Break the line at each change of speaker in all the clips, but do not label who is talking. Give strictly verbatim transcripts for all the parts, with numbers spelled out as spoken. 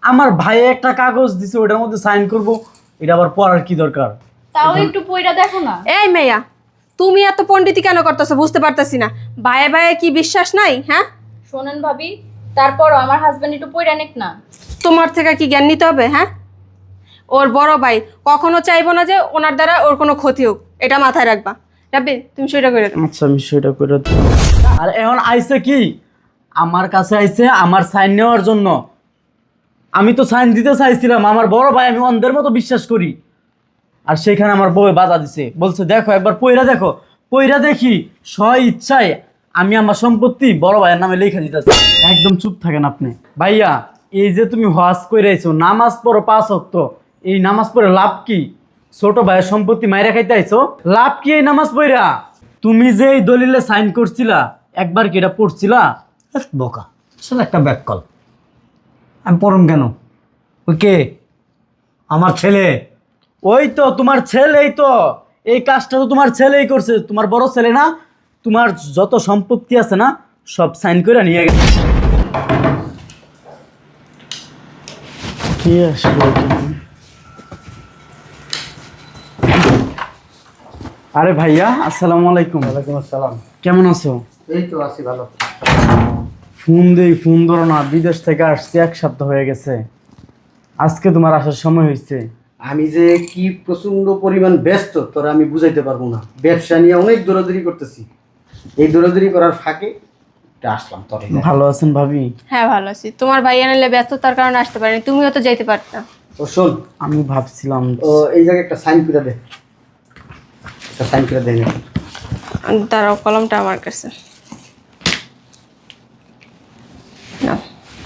আমার ভাই একটা কাগজ দিছে ওটার মধ্যে সাইন করব, এটা আবার পড়ার কি দরকার?
তাও একটু পড়া দেখো না।
এই মেয়া, তুমি এত পণ্ডিতি কেন করতেছো বুঝতে পারতাছি না। ভাইয়ে ভাইয়ে কি বিশ্বাস নাই? হ্যাঁ
শোনেন ভাবি, তারপরও আমার হাজবেন্ড একটু পড়া নেক না।
তোমার থেকে কি জ্ঞান নিতে হবে? হ্যাঁ, ওর বড় ভাই কখনো চাইবো না যে ওনার দ্বারা ওর কোনো ক্ষতি হোক, এটা মাথায় রাখবা। রাব্বি তুমি সেটা করে দাও।
আচ্ছা আমি সেটা করে দিই। আর এখন আইছে কি আমার কাছে আইছে আমার সাইন নেওয়ার জন্য। আমি তো সাইন দিতে চাইছিলাম, আমার বড় ভাই আমি অন্ধের মতো বিশ্বাস করি। আর সেখানে আমার বউ বাধা দিছে, বলছে দেখো একবার পয়রা দেখো। পয়রা দেখি স্ব ইচ্ছায় আমি আমার সম্পত্তি বড় ভাইয়ের নামে লেখা দিতেছি। একদম চুপ থাকেন আপনি। ভাইয়া এই যে তুমি হজ করে আইছো, নামাজ পড়ো পাঁচ ওয়াক্ত, এই নামাজ পড়ে লাভ কি? ছোট ভাইয়ের সম্পত্তি মাইরা খাইতে আইছো, লাভ কি এই নামাজ পড়া? তুমি যে এই দলিলে সাইন করছিলা একবার কি এটা পড়ছিলা?
বোকা আসলে একটা ব্যাক কল। আমি পড়ুন কেন? ওই কে? আমার ছেলে।
ওই তো তোমার ছেলেই তো, এই কাজটা তো তোমার ছেলেই করছে, তোমার বড় ছেলে না? তোমার যত সম্পত্তি আছে না সব সাইন করে নিয়ে গেছে। কি আসলো এখানে? আরে ভাইয়া আসসালামু আলাইকুম।
ওয়ালাইকুম আসসালাম।
কেমন আছো?
এই তো আছি ভালো।
ফোন দেই ফোন ধরো না, বিদেশ থেকে আসছি এক সপ্তাহ হয়ে গেছে, আজকে তোমার আসার সময় হয়েছে।
আমি যে কি প্রচন্ড পরিমাণ ব্যস্ত তোরা আমি বুঝাইতে পারবো না। ব্যবসা নিয়ে অনেক দৌড়াদৌড়ি করতেছি, এই দৌড়াদৌড়ি করার ফাঁকে এটা আসলাম তোর।
ভালো আছেন ভাবি?
হ্যাঁ ভালো আছি। তোমার ভাই আনলে ব্যস্ততার কারণে আসতে পারেনি, তুমিও তো যাইতে পারতা।
ও শোন,
আমি ভাবছিলাম
ও এই জায়গায় একটা সাইন করে দে, একটা সাইন করে দে।
দাঁড়াও, কলমটা আমার কাছে নাও।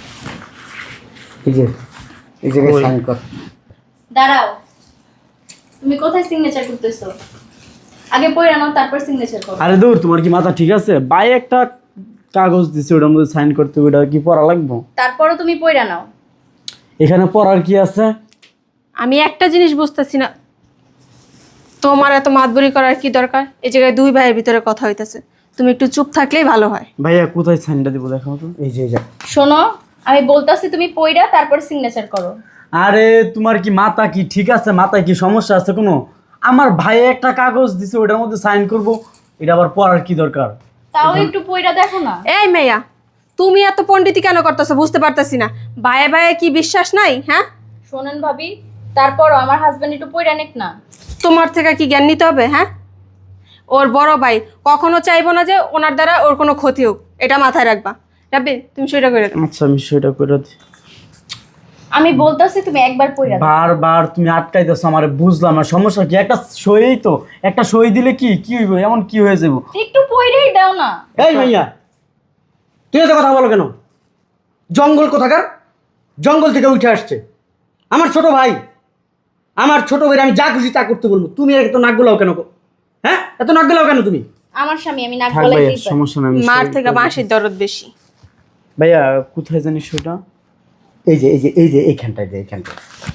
এই যে এই জায়গায় সাইন কর।
দাঁড়াও, তুমি কোথায় সিগনেচার করতেছো? আগে পড়া নাও তারপর সিগনেচার করো।
আরে দূর, তোমার কি মাথা ঠিক আছে? ভাই একটা কাগজ দিছে ওটার মধ্যে সাইন করতে, ওটা কি পড়া লাগবে?
তারপরও তুমি পড়া নাও।
এখানে পড়ার কি আছে?
আমি একটা জিনিস বুঝতেছি না, তোমার এত মাতবরি করার কি দরকার? এই জায়গায় দুই ভাইয়ের ভিতরে কথা হইতেছে, তুমি একটু চুপ থাকলেই ভালো হয়।
ভাইয়া কোথায় সাইনটা দিব দেখাও তো।
এই যে এই যে
শোনো, আমি বলতাছি তুমি পড়া তারপর সিগনেচার করো।
আরে তোমার কি মাথা কি ঠিক আছে? মাথায় কি সমস্যা আছে কোনো? আমার ভাই একটা কাগজ দিছে ওটার মধ্যে সাইন করব, এটা আবার পড়ার কি দরকার?
তাও একটু পড়া দেখো না।
এই মেয়া, তুমি এত পণ্ডিতি কেন করতেছো বুঝতে পারতাছি না। ভাইয়ে ভাইয়ে কি বিশ্বাস নাই? হ্যাঁ,
শোনেন ভাবি, তারপরও আমার হাজবেন্ড একটু পড়া নেক না।
তোমার থেকে কি জ্ঞান নিতে হবে? হ্যাঁ, ওর বড় ভাই কখনো চাইবো না যে ওনার দ্বারা ওর কোনো ক্ষতি হোক, এটা মাথায় রাখবা। রাব্বি তুমি সেটা করে দাও।
আচ্ছা আমি সেটা করে দিই।
আমি বলতাছি তুমি একবার পড়া দাও।
বারবার তুমি আটকাইতেছো আমারে, বুঝলাম না সমস্যা কি? একটা সই তো, একটা সই দিলে কি কি হইব? এমন কি হয়ে যাব?
একটু পড়াই দাও না।
এই মাইয়া, তুই এত কথা বলো কেন? জঙ্গল কোথাকার, জঙ্গল থেকে উঠে আসছে আমার ছোট ভাই। আমার ছোট ভাই আমি যা খুশি তা করতে বলবো, তুমি এত নাক গোলাও কেন? হ্যাঁ, এত নাক গোলাও কেন তুমি?
আমার স্বামী, আমি নাক
থাক
গলায়
ভাইয়া,
দিই।
সমস্যা নাই, আমি
মার
সই
থেকে
করে
বাঁশির
দিতেছি।
দরদ বেশি।
ভাইয়া কোথায় জানিস সেটা?
এই যে এই যে এই যে এইখানটায়, যে এইখানটায়।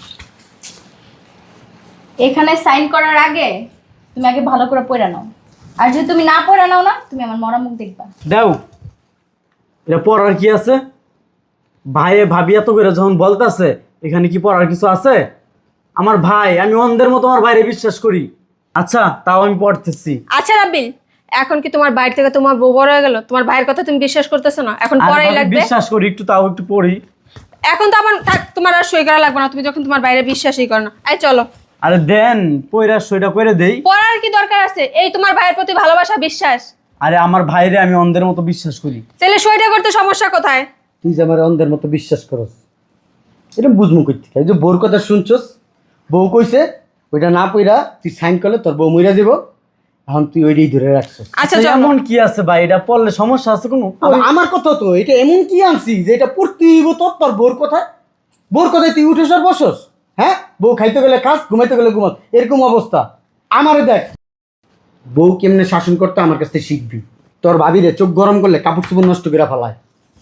এখানে সাইন করার আগে তুমি আগে ভালো করে পড়া নাও, আর যদি তুমি না পড়া নাও না তুমি আমার মরা মুখ দেখবা।
দাও, এটা পড়ার কি আছে? ভাইয়ে ভাবি এত করে যখন বলতেছে এখানে কি পড়ার কিছু আছে? আমার ভাই, আমি অন্ধের মতো আমার ভাইরে বিশ্বাস করি। আচ্ছা তাও আমি পড়তেছি।
আচ্ছা রাব্বিল, এখন কি তোমার বাইরে থেকে তোমার বউ বড় হয়ে গেল? তোমার ভাইয়ের কথা তুমি বিশ্বাস করতেছো না? এখন
আর
পড়াই
ভাবি
লাগবে।
বিশ্বাস করি, একটু তাও একটু পড়ি।
এখন তো আমার থাক, তোমার আর সই করা লাগবে না, তুমি যখন তোমার বাইরে বিশ্বাসই করো না। এই চলো।
আরে দেন পয়রা সইটা করে দেই।
পড়ার কি দরকার আছে? এই তোমার ভাইয়ের প্রতি ভালোবাসা, বিশ্বাস।
আরে আমার ভাইরে আমি অন্ধের মতো বিশ্বাস করি।
তাহলে সইটা করতে সমস্যা কোথায়?
তুই যে আমার অন্ধের মতো বিশ্বাস করস, এটা বুঝমু কই থেকে? এই যে বউর কথা শুনছস, বউ কইছে ওইটা না পইরা তুই সাইন করলে তোর বউ মইরা যাব, এখন তুই ওইটাই ধরে রাখছস।
আচ্ছা
আচ্ছা
চলো।
এমন কি আছে ভাই? এটা পড়লে সমস্যা আছে কোনো?
আবার আমার কথা তো এটা এমন কি আনছি যে এটা পড়তেই হইব তোর, তোর বউর কথা। বউর কথায় তুই উঠেস আর বসস? হ্যাঁ, বউ খাইতে গেলে খাস, ঘুমাইতে গেলে ঘুমাস, এরকম অবস্থা। আমারে দেখ, বউ কেমনে শাসন করতে আমার কাছ থেকে শিখবি। তোর ভাবিরে চোখ গরম করলে কাপড় চোপড় নষ্ট করে ফেলায়।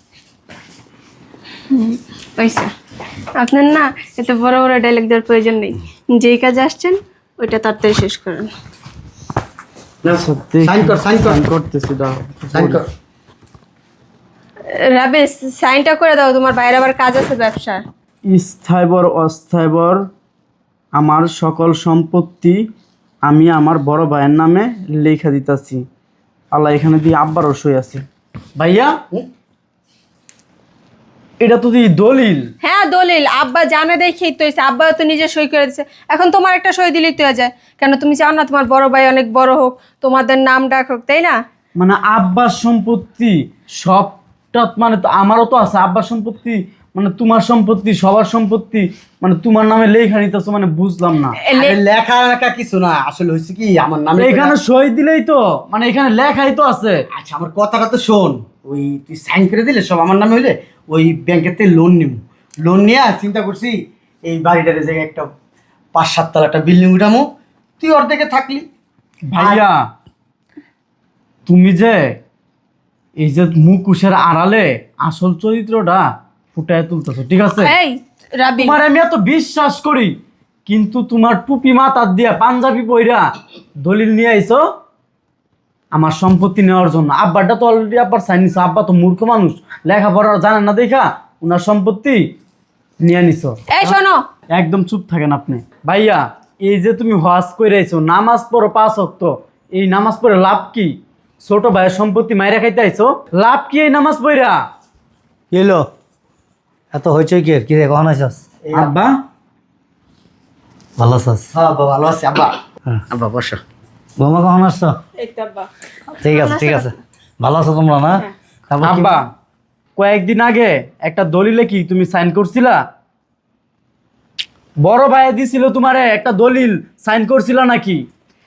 পয়সা আপনার না এত বড় বড় ডায়লগ দেওয়ার প্রয়োজন নেই, যেই কাজে আসছেন ওইটা তাড়াতাড়ি শেষ করেন।
না,
সত্যি
সাইন কর, সাইন কর,
সাইন করতেছি, দাও
সাইন কর।
রাবে সাইনটা করে দাও, তোমার বাইরে আবার কাজ আছে ব্যবসা।
স্থায়বর অস্থায়বর আমার সকল সম্পত্তি আমি আমার বড় ভাইয়ের নামে লেখা দিতেছি। আল্লাহ এখানে দিয়ে আব্বারও সই আছে। ভাইয়া এটা তো দিয়ে দলিল।
হ্যাঁ দলিল, আব্বা জানে দেখেই তো হয়েছে, আব্বা তো নিজে সই করে দিচ্ছে। এখন তোমার একটা সই দিলেই তো হয়ে যায়। কেন তুমি চাও না তোমার বড় ভাই অনেক বড় হোক, তোমাদের নাম ডাক হোক, তাই না?
মানে আব্বার সম্পত্তি সবটা মানে তো আমারও তো আছে আব্বার সম্পত্তি, মানে তোমার সম্পত্তি সবার সম্পত্তি, মানে তোমার নামে লেখা নিতেছো, মানে বুঝলাম না।
এ লে-
আরে লেখা লেখা কিছু না, আসলে হয়েছে কি আমার নামে
এখানে সই দিলেই তো মানে এখানে লেখাই তো আছে।
আচ্ছা আমার কথাটা তো শোন, ওই তুই সাইন করে দিলে সব আমার নামে হইলে ওই ব্যাংকের থেকে লোন নিব, লোন নিয়ে চিন্তা করছি এই বাড়িটার জায়গায় একটা পাঁচ সাত তলা একটা বিল্ডিং উঠামো, তুই অর্ধেকে থাকলি।
ভাইয়া তুমি যে এই যে মুখোশের আড়ালে আসল চরিত্রটা ফুটায় তুলতেছো, ঠিক আছে?
এই রাবি,
তোমার আমি এত বিশ্বাস করি, কিন্তু তোমার টুপি মাথার দিয়া পাঞ্জাবি পইরা দলিল নিয়ে আইছো আমার সম্পত্তি নেওয়ার জন্য। আব্বারটা তো অলরেডি আব্বার সাইন নিছো, আব্বা তো মূর্খ মানুষ, লেখাপড়া জানেন না দেখা ওনার সম্পত্তি নিয়ে নিছো।
এই শোনো,
একদম চুপ থাকেন আপনি। ভাইয়া এই যে তুমি হজ করে আইছো, নামাজ পড়ো পাঁচ ওয়াক্ত, এই নামাজ পড়ে লাভ কি? ছোট ভাইয়ের সম্পত্তি মাইরা খাইতে আইছো, লাভ কি এই নামাজ পড়া?
কি হলো এত হইচই কি কি রে, কখন আইসস?
আব্বা
ভালো আছস?
হ্যাঁ বাবা ভালো আছি। আব্বা
হ্যাঁ।
আব্বা বসো।
বৌমা কখন আসছো?
এই তো আব্বা।
ঠিক আছে ঠিক আছে, ভালো আছো তোমরা না? তারপর কি-
আব্বা কয়েকদিন আগে একটা দলিলে কি তুমি সাইন করছিলা? বড় ভাই দিছিল তোমারে একটা দলিল, সাইন করছিলা নাকি?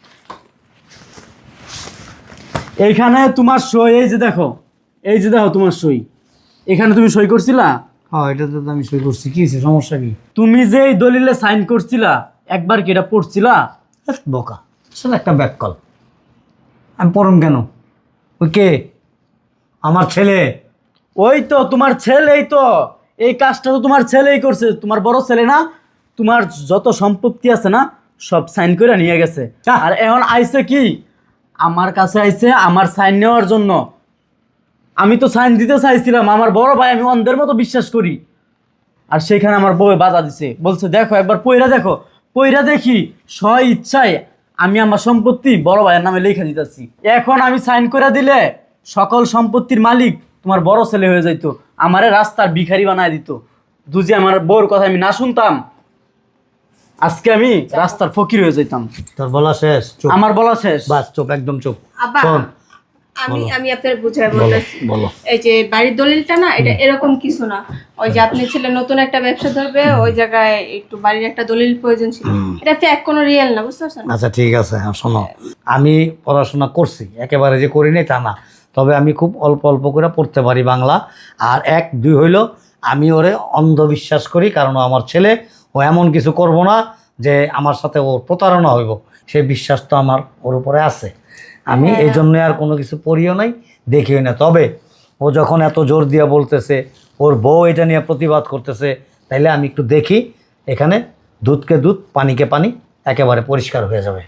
এইখানে তোমার সই, এই যে দেখো, এই যে দেখো তোমার সই, এখানে তুমি সই করছিলা?
হ্যাঁ এটা তো আমি সই করছি, কি হয়েছে, সমস্যা কি?
তুমি যে এই দলিলে সাইন করছিলা একবার কি এটা পড়ছিলা?
ধ্যাৎ, বোকা আসলে একটা ব্যাক কল, আমি পড়ুন কেন? ওই কে? আমার ছেলে।
ওই তো তোমার ছেলেই তো, এই কাজটা তো তোমার ছেলেই করছে, তোমার বড় ছেলে না? তোমার যত সম্পত্তি আছে না সব সাইন করে নিয়ে গেছে। আর এখন আইছে কি আমার কাছে আইছে আমার সাইন নেওয়ার জন্য। আমি তো সাইন দিতে চাইছিলাম, আমার বড় ভাই আমি অন্ধের মতো বিশ্বাস করি, আর সেখানে আমার বউ বাধা দিছে, বলছে দেখো একবার পইরা দেখো। পইরা দেখি স্ব ইচ্ছায় আমি আমার সম্পত্তি বড় ভাইয়ের নামে লেখা দিতেছি। এখন আমি সাইন করে দিলে সকল সম্পত্তির মালিক তোমার বড় ছেলে হয়ে যাইতো, আমারে রাস্তার ভিখারি বানায় দিত। দুজি আমার বউর কথা আমি না শুনতাম, আজকে আমি রাস্তার ফকির হয়ে যাইতাম।
তোর বলা শেষ? চুপ,
আমার বলা শেষ।
বাস চুপ, একদম চুপ।
আব্বা
শোন,
আমি আমি আপনার বুঝাই
বলো
বলতেছি।
বলো।
এই যে বাড়ির দলিলটা না, এটা এরকম কিছু না। ওই যে আপনি ছেলে নতুন একটা ব্যবসা ধরবে, ওই জায়গায় একটু বাড়ির একটা দলিল প্রয়োজন ছিল। এটা ফ্যাক, কোনো রিয়েল না, বুঝতে পারছেন?
আচ্ছা ঠিক আছে, হ্যাঁ শোনো, আমি পড়াশোনা করছি, একেবারে যে করিনি তা না, তবে আমি খুব অল্প অল্প করে পড়তে পারি বাংলা। আর এক দুই হইল, আমি ওরে অন্ধবিশ্বাস করি, কারণ ও আমার ছেলে, ও এমন কিছু করব না যে আমার সাথে ও প্রতারণা হইব, সেই বিশ্বাস তো আমার ওর উপরে আছে। আমি এই জন্য আর কোনো কিছু পড়িও নাই, দেখিও না। তবে ও যখন এত জোর দিয়া বলতেছে, ওর বউ এটা নিয়ে প্রতিবাদ করতেছে, তাইলে আমি একটু দেখি, এখানে দুধকে দুধ পানিকে পানি একেবারে পরিষ্কার হয়ে যাবে।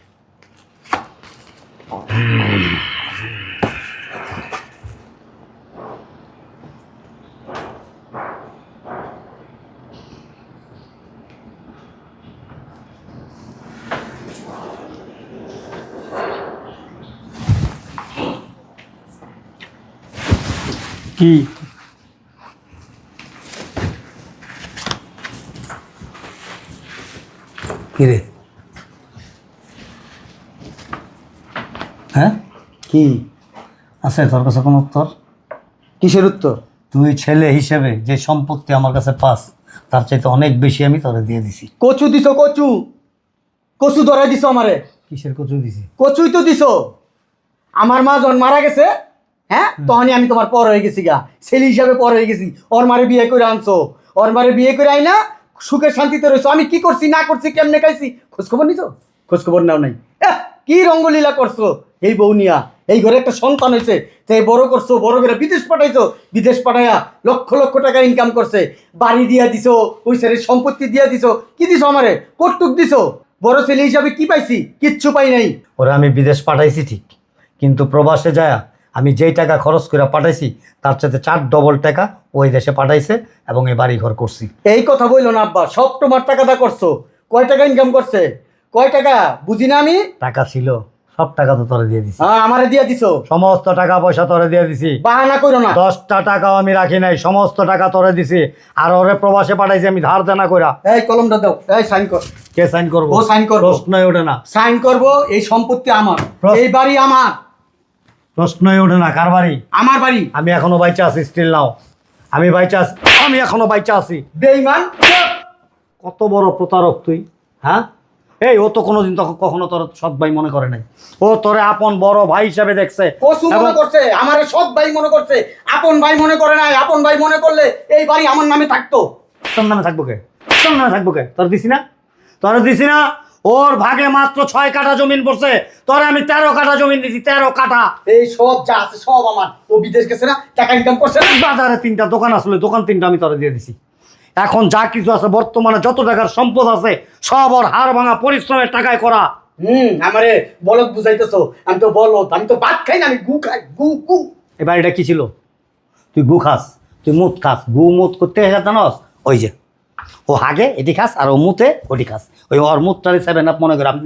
কি
কিরে? হ্যাঁ
কি
আছে তোর কাছে কোনো উত্তর?
কিসের উত্তর?
তুই ছেলে হিসেবে যে সম্পত্তি আমার কাছে পাস, তার চাইতে অনেক বেশি আমি তোরে দিয়ে দিছি।
কচু দিছো, কচু কচু ধরাই দিছো আমারে।
কিসের কচু দিছি?
কচুই তো দিছো। আমার মা যখন মারা গেছে, হ্যাঁ তখনই আমি তোমার পর হয়ে গেছি গা, ছেলে হিসাবে পর হয়ে গেছি। ওর মারে বিয়ে করে আনছো, ওর মারে বিয়ে করে আই না সুখে শান্তিতে রয়েছো। আমি কি করছি না করছি, কেমনে খাইছি, খোঁজখবর নিছো? খোঁজখবর নাও নাই। এহ, কি রঙ্গলীলা করছো এই বউ নিয়া। এই ঘরে একটা সন্তান হয়েছে, তাই বড় করছো, বড় করে বিদেশ পাঠাইছো, বিদেশ পাঠাইয়া লক্ষ লক্ষ টাকা ইনকাম করছে, বাড়ি দিয়া দিছো, ওই ছেলের সম্পত্তি দিয়া দিছো। কি দিছো আমারে? কর্তুক দিছো। বড় ছেলে হিসাবে কি পাইছি? কিচ্ছু পাই নাই।
ওরা আমি বিদেশ পাঠাইছি ঠিক, কিন্তু প্রবাসে যায় আমি যেই টাকা খরচ করে পাঠাইছি তার সাথে চার ডবল টাকা ওই দেশে পাঠাইছে এবং এই বাড়ি ঘর করছি।
এই কথা বললো না আব্বা, সব তোমার টাকাটা করছো। কয় টাকা ইনকাম করছে? কয় টাকা বুঝি না আমি?
টাকা ছিল, সব টাকা তো তোরে দিয়ে দিছি।
হ্যাঁ আমারে দিয়া দিছো।
সমস্ত টাকা পয়সা তোরে দিয়ে দিছি।
বাহানা করো না।
দশটা টাকাও আমি রাখি নাই, সমস্ত টাকা তোরে দিছি। আর ওরে প্রবাসে পাঠাইছি আমি ধার দেনা কইরা।
এই কলমটা দাও, এই সাইন কর।
কে সাইন করবো?
ও সাইন করবো।
প্রশ্নই ওঠে না,
সাইন করব। এই সম্পত্তি আমার,
প্রশ্ন-
এই বাড়ি আমার,
প্রশ্নই ওঠে না। কার বাড়ি?
আমার বাড়ি।
আমি এখনো বাইচা আছি, স্টিল নাও আমি বাইচা আছি, আমি এখনো বাইচা আছি।
বেঈমান।
কত বড় প্রতারক তুই, হ্যাঁ? এই ও তো কোনোদিন তখন কখনো তোর সৎ ভাই মনে করে নাই। ও তোরে আপন বড় ভাই হিসাবে দেখছে।
কসু মনে
এবং-
করছে, আমারে সৎ ভাই মনে করছে, আপন ভাই মনে করে নাই। আপন ভাই মনে করলে এই বাড়ি আমার নামে থাকতো।
তোর নামে থাকবো কে? তোর নামে থাকবো কে? তোর দিছি না, তোর দিছি না। ওর ভাগে মাত্র ছয় কাঠা জমিন পড়ছে, তোরে আমি তেরো কাঠা জমিন দিছি, তেরো কাঠা।
এই সব যা আছে সব আমার। ও বিদেশ গেছে না, টাকা ইনকাম করছে না।
বাজারে তিনটা দোকান আসলে, দোকান তিনটা আমি তোরে দিয়ে দিছি। এখন যা কিছু আছে বর্তমানে যত টাকার সম্পদ আছে সব ওর হাড় ভাঙা পরিশ্রমের টাকায় করা।
হুম আমারে বলদ বুঝাইতেছো। আমি তো বলদ, আমি তো ভাত খাই না, আমি গু খাই। গু গু।
এই বাড়িটা কি ছিল? তুই গু খাস, তুই মুত খাস। গু মুত করতে জানাস? ওই যে ও হাগে এটি খাস আর ও মুতে ওটি খাস। ওই ওর মুতটারে সেভেন আপ মনে করাম।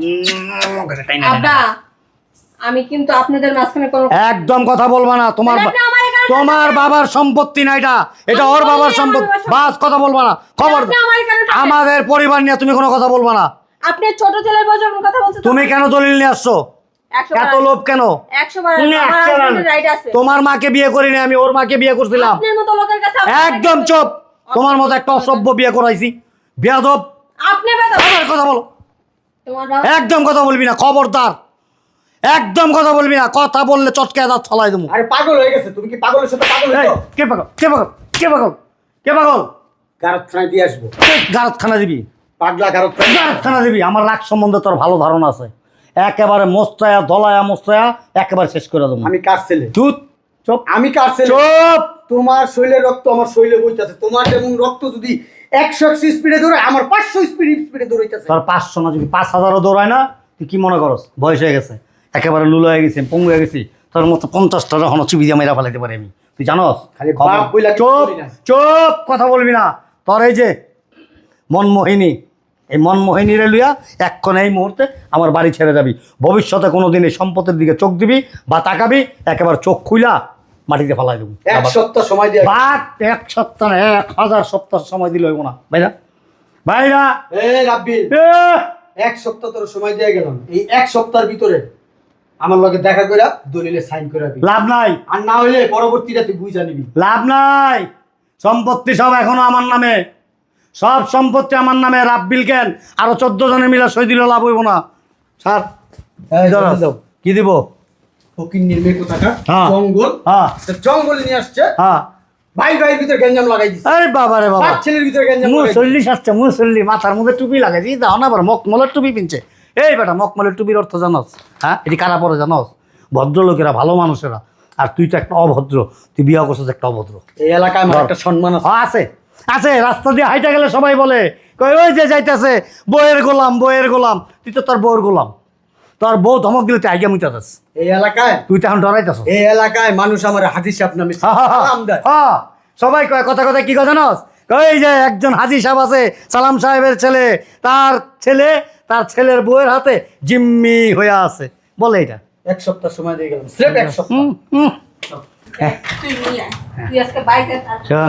আব্বা আমি কিন্তু আপনাদের মাঝখানে কোনো
একদম কথা বলবা না। তোমার
তাহলে আপনি আমার এখানে
তোমার বাবার সম্পত্তি না এটা, এটা
আমি
ওর বাবার
বলিনি
সম্পত্তি।
আমার বাবার
বাস কথা বলবা না, খবর।
আপনি আমার এখানে থাকেন।
আমাদের পরিবার নিয়ে তুমি কোনো কথা বলবা না।
আপনি ছোট ছেলের বউ যখন কথা বলছেন
তুমি কেন দলিল নিয়ে আসছো?
একশো
এত
বার-
লোভ কেন?
একশো বার
তুমি
আমার
একশো বার-
হাজবেন্ডের রাইট আছে।
তোমার মাকে বিয়ে করিনি আমি, ওর মাকে বিয়ে করছিলাম।
আপনার মতো লোকের কাছে আমার
একদম
right
চুপ।
আছে।
তোমার মতো একটা অসভ্য বিয়ে করাইছি, বেয়াদব।
আপনি বেদব।
আমার কথা বলো,
তোমার বাবা
একদম কথা বলবি না, খবরদার। একদম কথা বলবি না, কথা বললে চটকে দাঁত ছলাই দেবো।
আরে পাগল হয়ে গেছে তুমি। কি পাগলের সাথে পাগল
এই,
হইছো?
কে পাগল? কে পাগল? কে পাগল? কে পাগল?
গারতখানায় দিয়ে আসবো।
গারতখানা দিবি?
পাগলা গারতখানা।
গারতখানা দিবি? আমার রাগ সম্বন্ধে তোর ভালো ধারণা আছে। একেবারে মোস্তায়া দলায়া মোস্তায়া একেবারে শেষ করে দেবো।
আমি কার ছেলে?
চুপ চুপ
আমি কার ছেলে?
চুপ।
তোমার শরীরের রক্ত আমার শরীরে বইতেছে। তোমার যেমন রক্ত যদি একশো একশো স্পিডে দৌড়ে, আমার পাঁচশো স্পিড স্পিডে দৌড়াইতেছে।
তোর পাঁচশো না, যদি পাঁচ হাজারও দৌড়ায় না, তুই কি মনে করস বয়স হয়ে গেছে? একেবারে লুলো হয়ে গেছি, পঙ্গু হয়ে গেছি। তোর মতো পঞ্চাশটা যখন চিবি দিয়ে মেরা ফেলাইতে পারি আমি, তুই জানস?
খালি বাপ বইলা কিছু
চুপ
করি না।
চুপ, কথা বলবি না। তোর এই যে মনমোহিনী, এই মনমোহিনীরে লইয়া এক্ষণ এই মুহূর্তে আমার বাড়ি ছেড়ে যাবি। ভবিষ্যতে কোনো দিন এই সম্পত্তির দিকে চোখ দিবি বা তাকাবি, একেবারে চোখ খুইলা মাটিতে ফেলাই দেবো।
এক সপ্তাহ সময় দিয়ে।
বাট এক সপ্তাহ না, এক হাজার সপ্তাহ সময় দিলে হইব না। ভাইরা ভাইরা
এ রাব্বিল,
এ,
এক সপ্তাহ তোর সময় দিয়ে গেলাম। এই এক সপ্তাহের ভিতরে আমার লগে দেখা কইরা দলিলে সাইন করে দিবি।
লাভ নাই,
আর না হইলে পরবর্তীটা তুই বুঝা নিবি।
লাভ নাই। সম্পত্তি সব এখনো আমার নামে, সব সম্পত্তি আমার নামে। রাব্বিল কেন আরো চোদ্দ জনে মিলে সই দিলে লাভ হইব না। স্যার
এই দলিল দাও।
কি দিব?
ফকির নির্মে কোথাকা
হ্যাঁ।
জঙ্গল।
হ্যাঁ
তা জঙ্গল নিয়ে আসছে,
হ্যাঁ।
ভাই ভাইয়ের ভিতরে গ্যাঞ্জাম লাগাই দিচ্ছে।
আরে বাবা রে বাবা,
পাঁচ ছেলের ভিতরে গ্যাঞ্জাম লাগাই দিচ্ছে।
মুসল্লি সাজছে, মুসল্লি মাথার মধ্যে টুপি লাগাইছি, দাও না আবার মকমলের টুপি পিনছে। এই বেটা, মকমলের টুপির অর্থ জানোস? হ্যাঁ, এটি কারা পরে জানোস? ভদ্রলোকেরা, ভালো মানুষেরা। আর তুই তো একটা অভদ্র, তুই বিয়ে করছিস একটা অভদ্র।
এই এলাকায় আমার একটা সম্মান আছে।
হ্যাঁ, আছে আছে। রাস্তা দিয়ে হাইটা গেলে সবাই বলে, কই ওই যে যাইতেছে বইয়ের গোলাম, বইয়ের গোলাম। তুই তো তোর বউয়ের গোলাম। তোর বউ ধমক দিলে তুই আইগা মুইতাছিস।
এই এলাকায়
তুই তো এখন ডরাইতেছিস।
এই এলাকায় মানুষ আমার হাজি সাহেব নামে সালাম দেয়।
হ্যাঁ, সবাই কয় কথা কথা কি কথা জানোস? ওই যে একজন হাজি সাহেব আছে, সালাম সাহেবের ছেলে, তার ছেলে তার ছেলের বউয়ের হাতে জিম্মি হয়ে আছে, বলে এটা।
এক সপ্তাহ সময় দিয়ে গেলাম, স্রেফ এক সপ্তাহ।
হুম হুম।
তুই নিয়ে আয়। তুই আজকে বাইরে থাক।
শোন,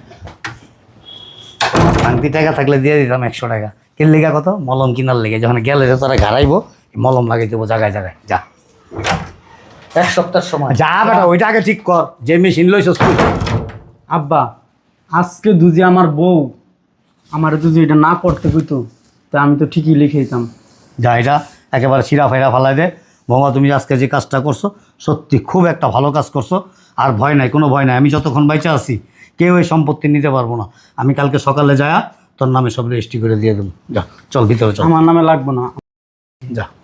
শান্তি টাকা থাকলে দিয়ে দিতাম একশো টাকা। কিন লিগা কত? মলম কিনার লেগে। যখন গেলে তারা ঘাড়াইবো, মলম লাগাই দেবো জায়গায় জায়গায়। যা
এক সপ্তাহ সময়।
যা বেটা, ওইটা আগে ঠিক কর। যে মেশিন লইছস তুই।
আব্বা, আজকে দুজি আমার বউ আমার যদি এটা না করতে কইতো, তা আমি তো ঠিকই লিখে দিতাম।
যা, এটা একেবারে শিরা ফাইরা ফালাই দে। বৌমা, তুমি আজকে যে কাজটা করছো সত্যি খুব একটা ভালো কাজ করছো। আর ভয় নাই, কোনো ভয় নাই। আমি যতক্ষণ বাইচা আছি কেউ এই সম্পত্তি নিতে পারবো না। আমি কালকে সকালে যায়া তোর নামে সব রেজিস্ট্রি করে দিয়ে দেবো। যা, চল ভিতরে চল।
আমার নামে লাগবো না।
যা।